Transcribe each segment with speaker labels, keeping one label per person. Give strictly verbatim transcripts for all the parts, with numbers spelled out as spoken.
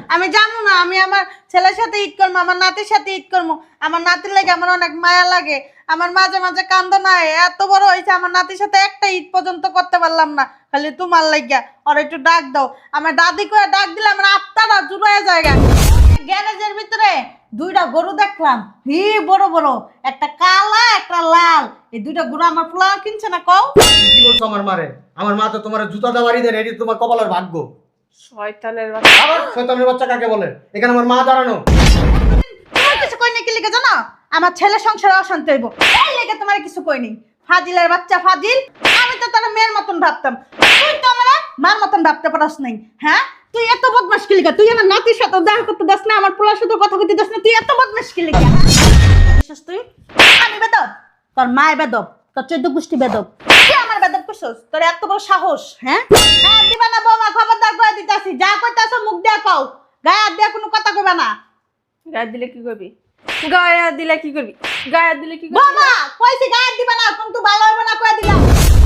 Speaker 1: আমি জানো না, আমি আমার ছেলের সাথে ঈদ করবো, আমার নাতির সাথে ঈদ করবো। আমার নাতির লাগে আমার অনেক মায়া লাগে। আমার মাঝে মাঝে কান্দো না, এত বড় হয়েছে আমার নাতির সাথে একটা ঈদ পর্যন্ত করতে পারলাম না। খালি তোমার লাগিয়া ওর একটু ডাক দাও। আমার দাদি করে ডাক দিলে আমার আত্মাটা জুড়ায় জায়গা। গ্যারেজের ভিতরে দুইটা গরু দেখলাম, হি বড় বড়, একটা কালা একটা লাল। এই দুইটা গরু আমার পোলা কিনছে না কও।
Speaker 2: কি বলছো আমার মারে? আমার মা তো তোমার জুতা দেওয়ারই দেন, এটি তোমার কপালের ভাগ্য।
Speaker 3: শয়তানের বাচ্চা।
Speaker 2: আবার শয়তানের বাচ্চা কাকে বলে? এখানে আমার মা দাঁড়ানো।
Speaker 1: তোমার কিছু কই নাই কি লিখে জানো? আমার ছেলে সংসারে অশান্তি হইব, এই লেগে তোমার কিছু কই নাই। ফাজিলের বাচ্চা ফাজিল, আমি তো তার মেয়ের মতন ভাবতাম, তুই তো আমার মার মতন ভাবতে পারস নাই। হ্যাঁ, তুই এত বদমাশ কি লিখা? তুই আমার নাতির সাথে দেখা করতে দাস না, আমার পোলার সাথে কথা কইতে দাস না, তুই এত বদমাশ কি লিখা? তুই আমি বেদব, তোর মায় বেদব, তোর চোদ্দ গোষ্ঠী বেদব, তুই আমার বেদব করছস? তোর এত বড় সাহস? হ্যাঁ হ্যাঁ, দিবা না বৌমা, খবরদার করে দিতেছি, যা কইতাছো মুখ দিয়া কও, গায়ে হাত দিয়া কোনো কথা কইবা না।
Speaker 3: গায়ে দিলে কি করবি? গায়ে দিলে কি করবি? গায়ে দিলে কি করবি?
Speaker 1: বাবা কইছি গায়ে দিবা না, কিন্তু ভালো হবে না কই দিলাম।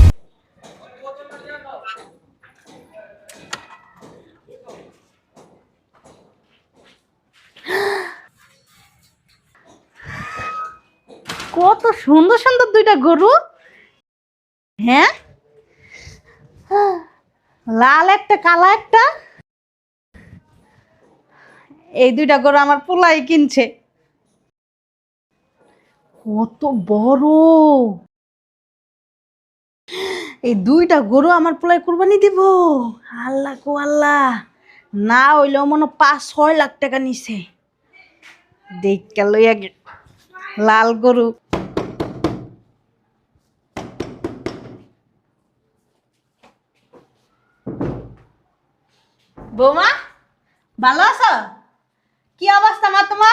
Speaker 1: কত সুন্দর সুন্দর দুইটা গরু। হ্যাঁ, লাল একটা কালা একটা। এই দুইটা গরু আমার পোলাই কিনছে। কত বড়! এই দুইটা গরু আমার পোলাই কুরবানি দিব। আল্লাহ কো আল্লাহ, না হইলেও মনে পাঁচ ছয় লাখ টাকা নিছে। দেখা লইয়া গে লাল গরু। বৌমা ভালো আছো? কি অবস্থা মা তোমার?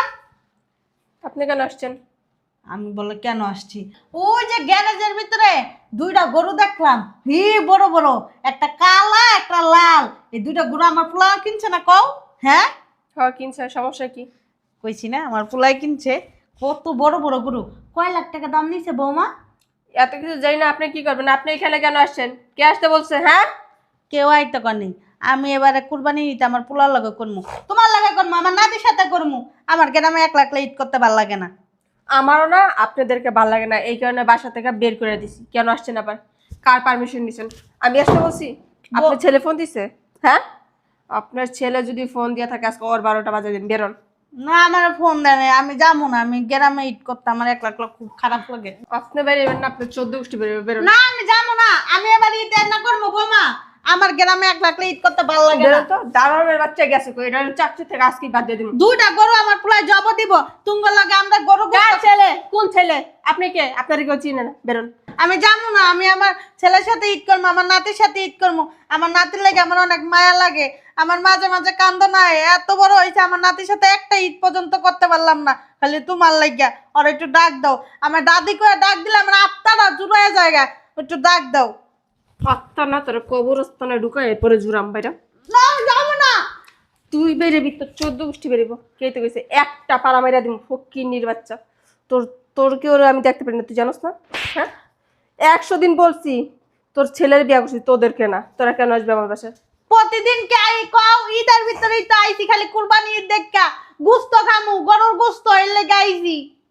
Speaker 3: আপনি কেন আসছেন?
Speaker 1: আমি বলে কেন আসছি, ওই যে গ্যারেজের ভিতরে দুইটা গরু দেখলাম, হি বড় বড়, একটা কালা একটা লাল। এই দুইটা গরু আমার পোলা কিনছে না কও। হ্যাঁ
Speaker 3: হ্যাঁ কিনছে, সমস্যা কি?
Speaker 1: কইছি না আমার পোলাই কিনছে। কত বড় বড় গরু, কয় লাখ টাকা দাম নিছে বৌমা?
Speaker 3: এত কিছু জানি না, আপনি কি করবেন? আপনি এখানে কেন আসছেন? কে আসতে বলছে? হ্যাঁ,
Speaker 1: কেউ আইতে করেনি। আমি এবারে কুরবানি নিতে আমার পোলার লগে করবো, তোমার লগে করবো, আমার নাতির সাথে করবো। আমার গ্রামে একলা একলা ঈদ করতে ভালো লাগে না।
Speaker 3: আমারও না আপনাদেরকে ভালো লাগে না, এই কারণে বাসা থেকে বের করে দিছি। কেন আসছেন আবার? কার পারমিশন নিছেন? আমি আসতে বলছি? আপনার ছেলে ফোন দিছে? হ্যাঁ, আপনার ছেলে যদি ফোন দিয়ে থাকে আজকে ওর বারোটা বাজে দিন, বেরোন।
Speaker 1: না আমার ফোন দেয় নাই, আমি যাবো না, আমি গ্রামে ঈদ করতে আমার একলা একলা খুব খারাপ লাগে।
Speaker 3: আপনি বেরিয়েবেন না, আপনার চোদ্দ গোষ্ঠী বেরোবে, বেরোন।
Speaker 1: না আমি যাবো না, আমি এবার ঈদ না করবো বৌমা, আমার গ্রামে একলা একলা ঈদ করতে ভালো লাগে না।
Speaker 3: বেরোন তো, দাঁড়ানোর বাচ্চা গেছে কই? এটা চাকরি থেকে আজকে বাদ দিয়ে দিন।
Speaker 1: দুইটা গরু আমার পোলায় জব দিব, তুঙ্গ লাগে আমরা গরু
Speaker 3: কার
Speaker 1: গোশত-
Speaker 3: ছেলে? কোন ছেলে? আপনি কে? আপনার কেউ চিনে না, বেরোন।
Speaker 1: আমি যাবো না, আমি আমার ছেলের সাথে ঈদ করবো, আমার নাতির সাথে ঈদ করবো। আমার নাতির লাগে আমার অনেক মায়া লাগে। আমার মাঝে মাঝে কান্দো না, এত বড় হয়েছে আমার নাতির সাথে একটা ঈদ পর্যন্ত করতে পারলাম না। খালি তোমার লাগিয়া ওর একটু ডাক দাও। আমার দাদি করে ডাক দিলে আমার আত্মাটা জুড়ায় জায়গা, একটু ডাক দাও।
Speaker 3: আত্মা না তোর কবরস্থানে ঢুকায় এরপরে জুরাম বাইরা।
Speaker 1: না যাবো না।
Speaker 3: তুই বেরেবি, তোর চোদ্দ গোষ্ঠী বেরিব। কে তো কইছে একটা পাড়া মাইরা দিব? ফকিন্নির বাচ্চা, তোর তোর কেউ আমি দেখতে পারি না, তুই জানোস না? হ্যাঁ, একশো দিন বলছি তোর ছেলের বিয়া করছি, তোদেরকে না। তোরা কেন আসবে আমার বাসায়?
Speaker 1: প্রতিদিন কে আই কও, ঈদের ভিতরেই তো আইছি, খালি কুরবানি ঈদ দেখা গুস্ত খামু, গরুর গুস্ত এর লেগে আইছি।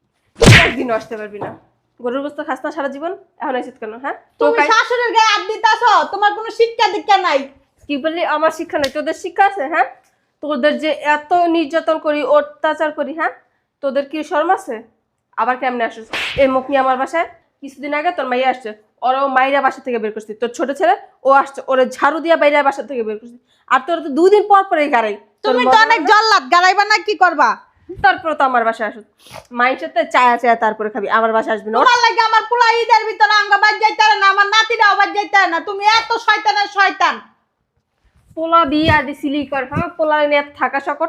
Speaker 3: একদিনও আসতে পারবি না। গরুর গোস্ত খাস না সারা জীবন, এখন আইছিস কেন? হ্যাঁ,
Speaker 1: তুমি শাশুড়ির গায়ে হাত দিতাছো, তোমার কোনো শিক্ষা দীক্ষা নাই।
Speaker 3: কি বললি? আমার শিক্ষা নেই, তোদের শিক্ষা আছে? হ্যাঁ, তোদের যে এত নির্যাতন করি, অত্যাচার করি, হ্যাঁ, তোদের কি শরম আছে? আবার কেমনে আসিস এই মুখ নিয়ে আমার বাসায়? কিছুদিন আগে তোর মাইয়া আসছে, ওরাও মাইরা বাসা থেকে বের করছি। তোর ছোট ছেলে ও আসছে, ওরে ঝাড়ু দিয়া বাইরে বাসা থেকে বের করছি। আর তোর তো দুদিন পর পরে গাড়াই।
Speaker 1: তুমি তো অনেক জল্লাদ, গাড়াইবা না, কি করবা?
Speaker 3: তারপরে তো আমার বাসায় আসুস, মায়ের সাথে চায়া চায়া তারপরে খাবি, আমার বাসায় আসবি না।
Speaker 1: তোমার লাগে আমার পোলা ঈদের ভিতরে আঙ্গা বাজ যাইতে পারে না, আমার নাতিরাও বাজ যাইতে পারে না। তুমি এত শয়তানের শয়তান।
Speaker 3: পোলা বিয়া দিছিলি কর, হ্যাঁ, পোলা নিয়ে থাকা সকট।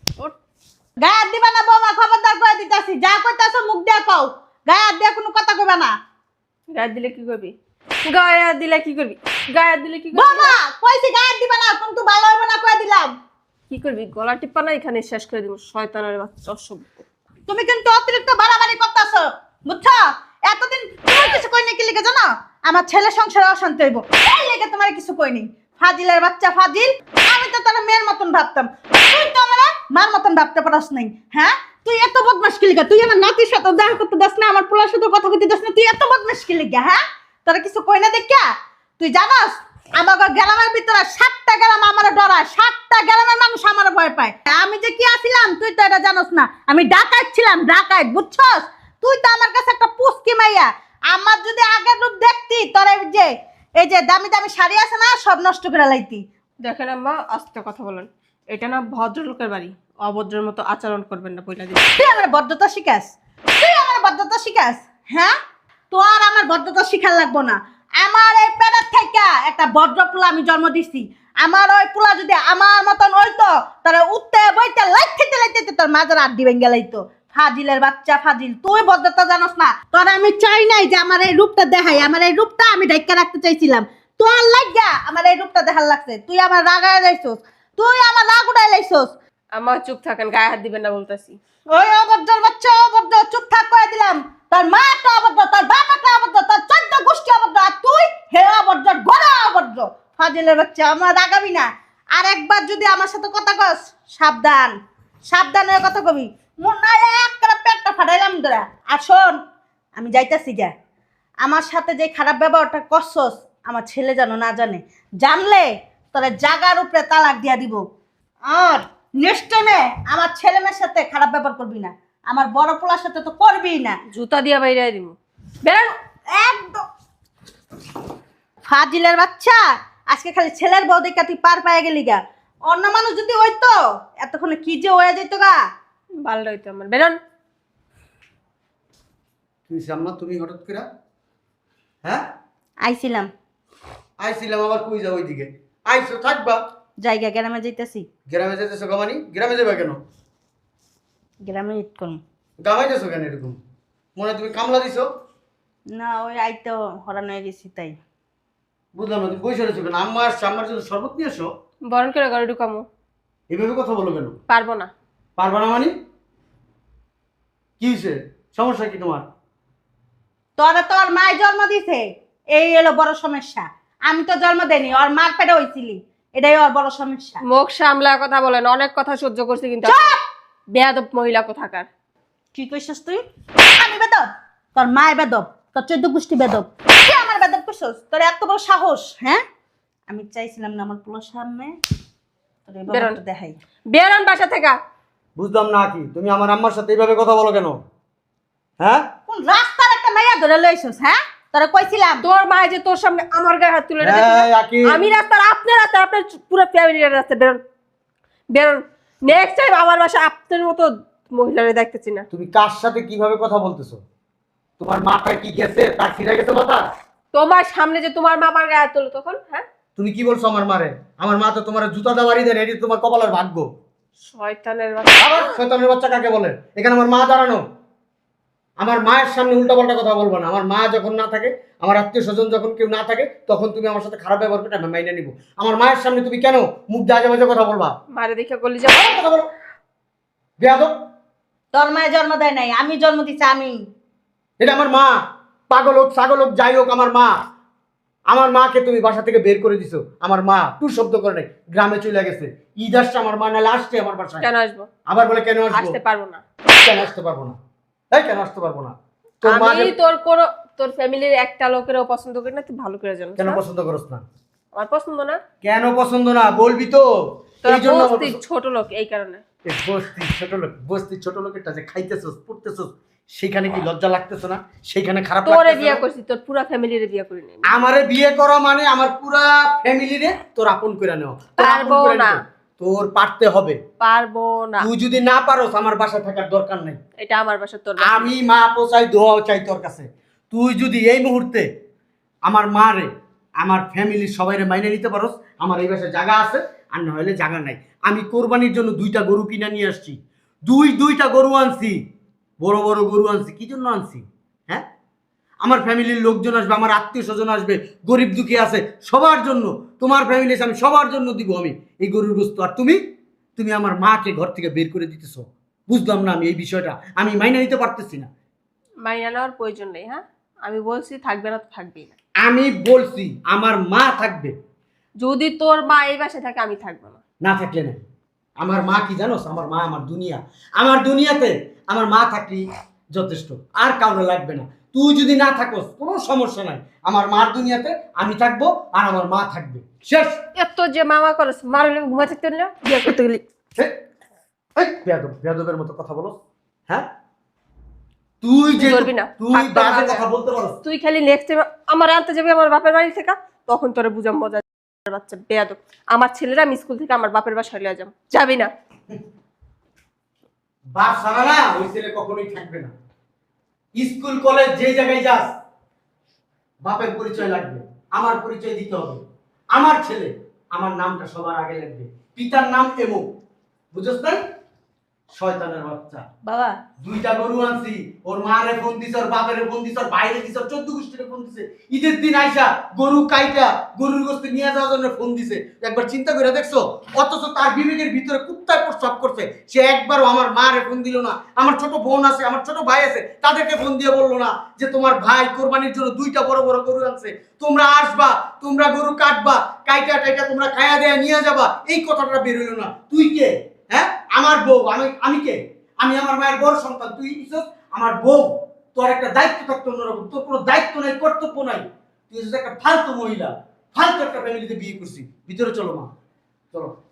Speaker 1: গায়ে হাত দিবা না বৌমা, খবরদার করে দিতাছি, যা কইতাছো মুখ দিয়া কও, গায়ে হাত দিয়া কোনো কথা কইবা না।
Speaker 3: গায়ে দিলে কি করবি? গায়ে দিলে কি করবি? গায়ে দিলে কি করবি?
Speaker 1: বৌমা কইছি গায়ে হাত দিবা না, কিন্তু ভালো হবে না কই দিলাম।
Speaker 3: কি করবি? গলা টিপ্পা না এখানে শেষ করে দিব, শয়তানের বাচ্চা অসভ্য।
Speaker 1: তুমি কিন্তু অতিরিক্ত বাড়াবাড়ি করতেছো, বুঝছো? এতদিন তোমার কিছু কই নাই কি লিখে জানো? আমার ছেলে সংসারে অশান্তি হইব, এই লেগে তোমার কিছু কই নাই। ফাজিলের বাচ্চা ফাজিল, আমি তো তার মেয়ের মতন ভাবতাম, তুই তো আমার মার মতন ভাবতে পারস নাই। হ্যাঁ, তুই এত বদমাস কি লিগা? তুই আমার নাতির সাথে দেখা করতে দাস না, আমার পোলার সাথে কথা কইতে দাস না, তুই এত বদমাস কি লিগা? হ্যাঁ, তোরা কিছু কই না দেখা? তুই জানাস আমার গ্রামের ভিতরে সাতটা গ্রাম আমার ডরায়, সাতটা গ্রামের মানুষ আমার ভয় পায়। আমি যে কি আছিলাম তুই তো এটা জানোস না। আমি ডাকাত ছিলাম, ডাকাত, বুঝছস? তুই তো আমার কাছে একটা পুস্কি মাইয়া। আমার যদি আগের রূপ দেখতি তোর এই যে এই যে দামি দামি শাড়ি আছে না, সব নষ্ট করে লাইতি।
Speaker 3: দেখেন আম্মা, আস্তে কথা বলেন। এটা না ভদ্রলোকের বাড়ি, অভদ্রের মতো আচরণ করবেন না বইলা দিন।
Speaker 1: তুই আমার ভদ্রতা শিখাস? তুই আমার ভদ্রতা শিখাস? হ্যাঁ, তোর আমার ভদ্রতা শিখার লাগবো না। আমার এই পেটের থেকে একটা ভদ্র পোলা আমি জন্ম দিছি। আমার ওই পোলা যদি আমার মতন হইতো তাহলে উঠতে বইতে লাইতে লাইতে তোর মাজার আড্ডি ভেঙে লাইতো। ফাজিলের বাচ্চা ফাজিল, তুই ভদ্রতা জানোস না। তোর আমি চাই নাই যে আমার এই রূপটা দেখাই, আমার এই রূপটা আমি ঢাইকা রাখতে চাইছিলাম। তোর লাগিয়া আমার এই রূপটা দেখার লাগছে। তুই আমার রাগায় লাইছস, তুই আমার রাগ উড়াই লাইছস।
Speaker 3: আমার চুপ থাকেন, গায়ে হাত দিবেন না বলতেছি।
Speaker 1: ওই অভদ্র বাচ্চা, অভদ্র, চুপ থাক করে দিলাম। তোর মা একটা অভদ্র, তোর বাপ একটা অভদ্র, তোর চোদ্দ গোষ্ঠী অভদ্র, আর তুই হে অভদ্র, গড়া অভদ্র, ফাজিলের বাচ্চা। আমার রাগাবি না। আর একবার যদি আমার সাথে কথা কস, সাবধান, সাবধান হয়ে কথা কবি। মনে এক করে পেটটা ফাটাইলাম তোরা। আর শোন, আমি যাইতাছি যা। আমার সাথে যে খারাপ ব্যবহারটা করছস আমার ছেলে যেন না জানে। জানলে তোরা জাগার উপরে তালাক দিয়া দিব। আর নেক্সট টাইমে আমার ছেলে মেয়ের সাথে খারাপ ব্যবহার করবি না, আমার বড় পোলার সাথে তো করবিই না।
Speaker 3: জুতা দিয়া বাইরে দিব। বের।
Speaker 1: একদম ফাজিলের বাচ্চা। আজকে খালি ছেলের বউ দেখা তুই পার পায়ে গেলি গা। অন্য মানুষ যদি হইতো এতক্ষণে কি যে হয়ে যেত গা।
Speaker 3: ভালো হইতো আমার। বেরোন।
Speaker 2: তুই সামনা তুমি হঠাৎ করে? হ্যাঁ,
Speaker 1: আইছিলাম।
Speaker 2: আইছিলাম আবার কই যাও ওইদিকে? আইছো থাকবা।
Speaker 1: জায়গা গ্রামে যাইতেছি।
Speaker 2: গ্রামে যেতেছো গমানি? গ্রামে যাবা কেন?
Speaker 1: গ্রামে ইট করুন
Speaker 2: গামাই যাচ্ছ কেন এরকম? মনে হয় তুমি কামলা দিছো?
Speaker 1: না, ওই আইতে হরান হয়ে গেছি তাই।
Speaker 2: বুঝলাম না, তুমি বসে রয়েছো কেন? আম্মা আসছে, আম্মার জন্য শরবত নিয়ে এসো।
Speaker 3: বরণ করে ঘরে ঢুকামো।
Speaker 2: এভাবে কথা বলো কেন?
Speaker 3: পারবো না।
Speaker 2: পারবা না মানে? কি হয়েছে? সমস্যা কি তোমার?
Speaker 1: তোরা তোর মায় জন্ম দিছে, এই এলো বড় সমস্যা। আমি তো জন্ম দেইনি, ওর মার পেটে হইছিলি, এটাই ওর বড় সমস্যা।
Speaker 3: মুখ সামলা কথা বলেন। অনেক কথা সহ্য করছি কিন্তু বেয়াদব মহিলা কোথাকার।
Speaker 1: কি কইছস তুই? আমি বেদব? তোর মায় বেদব, তোর চোদ্দ গোষ্ঠী বেদব। তুই আমার বেদব কইছস? তোর এত বড় সাহস? হ্যাঁ, আমি চাইছিলাম না আমার পুরো সামনে তোর এই
Speaker 3: বেরোন।
Speaker 1: বাবাটা দেখাই।
Speaker 3: বেরোন বাসা থেকে।
Speaker 2: বুঝলাম না কি তুমি আমার আম্মার সাথে এইভাবে কথা বলো কেন? হ্যাঁ,
Speaker 1: কোন রাস্তার একটা মাইয়া ধরে লইছস? হ্যাঁ, তোরা কইছিলাম
Speaker 3: তোর মা যে তোর সামনে আমার গায়ে হাত তুলে
Speaker 2: এই,
Speaker 3: রেখেছে।
Speaker 2: আকি।
Speaker 3: আমি রাস্তার, আপনার রাস্তা, আপনার পুরো ফ্যামিলির রাস্তা। বেরোন, বেরোন। নেক্সট টাইম আমার বাসা আপনার মতো মহিলারে দেখতেছি না।
Speaker 2: তুমি কার সাথে কিভাবে কথা বলতেছো? তোমার মাথায় কি গেছে? তার ফিরে গেছে মাথা?
Speaker 3: তোমার সামনে যে তোমার মা আমার গায়ে হাত তুলো তখন, হ্যাঁ?
Speaker 2: তুমি কি বলছো আমার মারে? আমার মা তো তোমার জুতা দেওয়ারি দেন, এটি তোমার কপালের ভাগ্য।
Speaker 3: শয়তানের বাচ্চা।
Speaker 2: আবার শয়তানের বাচ্চা কাকে বলে? এখানে আমার মা দাঁড়ানো। আমার মায়ের সামনে উল্টাপাল্টা কথা বলবো না। আমার মা যখন না থাকে, আমার আত্মীয় স্বজন যখন কেউ না থাকে, তখন তুমি আমার সাথে খারাপ ব্যবহার করতে আমি মাইনে নিব। আমার মায়ের সামনে তুমি কেন মুখ দাজে বাজে কথা বলবা?
Speaker 3: মারে দেখে গলি যাবো।
Speaker 2: আবার কথা বলো বেয়াদব।
Speaker 1: তোর মায়ে জন্ম দেয় নাই, আমি জন্ম দিছি। আমি
Speaker 2: এটা আমার মা। পাগল হোক ছাগল হোক যাই হোক, আমার মা। আমার মাকে তুমি বাসা থেকে বের করে দিছো। আমার মা টু শব্দ করে নাই, গ্রামে চলে গেছে। ঈদ আসছে আমার মা, নাহলে আসছে আমার বাসায়।
Speaker 3: কেন আসবো?
Speaker 2: আবার বলে কেন আসবো?
Speaker 3: আসতে পারবো না।
Speaker 2: কেন আসতে পারবো না? এই কেন আসতে পারবো না? তোর মা
Speaker 3: আমি
Speaker 2: যে-
Speaker 3: তোর কোন তোর ফ্যামিলির একটা লোকেরও পছন্দ করি না, তুই ভালো করে জানিস।
Speaker 2: কেন
Speaker 3: না?
Speaker 2: পছন্দ করছ না?
Speaker 3: আমার পছন্দ না।
Speaker 2: কেন পছন্দ না বলবি তো?
Speaker 3: তোর
Speaker 2: এই জন্য আমার
Speaker 3: বস্তি
Speaker 2: পছন্দ-
Speaker 3: ছোট লোক, এই কারণে।
Speaker 2: এই বস্তি ছোট লোক, বস্তি ছোট লোকেরটা যে খাইতেছস পড়তেছস, সেখানে কি লজ্জা লাগতেছ না? সেখানে খারাপ
Speaker 3: তোরে
Speaker 2: লাগতেছে
Speaker 3: বিয়ে
Speaker 2: না?
Speaker 3: করছি, তোর পুরা ফ্যামিলিরে বিয়ে করি নাই।
Speaker 2: আমারে বিয়ে করা মানে আমার পুরা ফ্যামিলিরে তোর আপন করে নেওয়া। তোর আপন
Speaker 3: পারবো
Speaker 2: করে
Speaker 3: না।
Speaker 2: নিতে। তোর পারতে হবে।
Speaker 3: পারবো না।
Speaker 2: তুই যদি না পারোস আমার বাসায় থাকার দরকার নাই।
Speaker 3: এটা আমার বাসা, তোর বাসা।
Speaker 2: আমি মা পোচাই দোয়াও চাই তোর কাছে। তুই যদি এই মুহূর্তে আমার মা রে, আমার ফ্যামিলির সবাইরে মাইনে নিতে পারোস, আমার এই বাসায় জায়গা আছে, আর না হলে জায়গা নাই। আমি কোরবানির জন্য দুইটা গরু কিনে নিয়ে আসছি। দুই দুইটা গরু আনছি, বড় বড় গরু আনছি। কি জন্য আনছি? হ্যাঁ, আমার ফ্যামিলির লোকজন আসবে, আমার আত্মীয় স্বজন আসবে, গরিব দুঃখী আছে, সবার জন্য। তোমার ফ্যামিলি আমি সবার জন্য দিব আমি এই গরুর গোস্ত। আর তুমি তুমি আমার মাকে ঘর থেকে বের করে দিতেছ। বুঝলাম না আমি এই বিষয়টা, আমি মাইনে নিতে পারতেছি না।
Speaker 3: মাইনা নেওয়ার প্রয়োজন নেই। হ্যাঁ, আমি বলছি থাকবে না তো থাকবেই না।
Speaker 2: আমি বলছি আমার মা থাকবে।
Speaker 3: যদি তোর মা এই বাসায় থাকে আমি থাকবো না।
Speaker 2: না থাকলে না, আমার মা কি জানোস? আমার মা আমার দুনিয়া। আমার দুনিয়াতে আমার মা থাকলি যথেষ্ট, আর কাউরে লাগবে না। তুই যদি না থাকস কোনো সমস্যা নাই, আমার মার দুনিয়াতে আমি থাকবো আর আমার মা থাকবে, শেষ।
Speaker 3: এত যে মামা করস মারলে ঘুমা থাকতে না বিয়ে করতে গেলি।
Speaker 2: হে, এই বেয়াদব, বেয়াদবের মতো কথা বলস, হ্যাঁ? তুই যে
Speaker 3: তুই করবি না।
Speaker 2: তুই
Speaker 3: থাক তোর
Speaker 2: বাজে
Speaker 3: মাঝে।
Speaker 2: কথা বলতে পারস।
Speaker 3: তুই খালি নেক্সট টাইম আমার আনতে যাবি আমার বাপের বাড়ি থেকে, তখন তোরে বুঝাম মজা। বাচ্চা বেয়াদব, আমার ছেলেরা আমি স্কুল থেকে আমার বাপের বাসায় লিয়ে যাম, যাবি না?
Speaker 2: বাপ সারা না ওই ছেলে কখনোই থাকবে না। স্কুল কলেজ যে জায়গায় যাস বাপের পরিচয় লাগবে, আমার পরিচয় দিতে হবে। আমার ছেলে আমার নামটা সবার আগে লাগবে, পিতার নাম এমো, বুঝছ না? শয়তানের বাচ্চা।
Speaker 1: বাবা
Speaker 2: দুইটা গরু আনছি, ওর মারে ফোন দিছ, ওর বাপের ফোন দিছ, ওর বাইরে দিছ, চোদ্দ গোষ্ঠীরে ফোন দিছে। ঈদের দিন আইসা গরু কাইটা গরুর গোস্ত নিয়ে যাওয়ার জন্য ফোন দিছে। একবার চিন্তা করে দেখছো? অথচ তার বিবেকের ভিতরে কুত্তায় প্রস্রাব করছে। সে একবারও আমার মারে ফোন দিল না। আমার ছোট বোন আছে, আমার ছোট ভাই আছে, তাদেরকে ফোন দিয়ে বললো না যে তোমার ভাই কোরবানির জন্য দুইটা বড় বড় গরু আনছে, তোমরা আসবা, তোমরা গরু কাটবা, কাইটা টাইটা তোমরা খায়া দেয়া নিয়ে যাবা। এই কথাটা বের হইলো না। তুই কে? হ্যাঁ, আমার বউ। আমি আমি কে? আমি আমার মায়ের বড় সন্তান, তুই ইসস আমার বউ। তোর একটা দায়িত্ব থাকতো অন্যরকম, তোর কোনো দায়িত্ব নাই, কর্তব্য নাই। তুই একটা ফালতু মহিলা, ফালতু একটা ফ্যামিলিতে বিয়ে করছিস। ভিতরে চলো মা, চলো।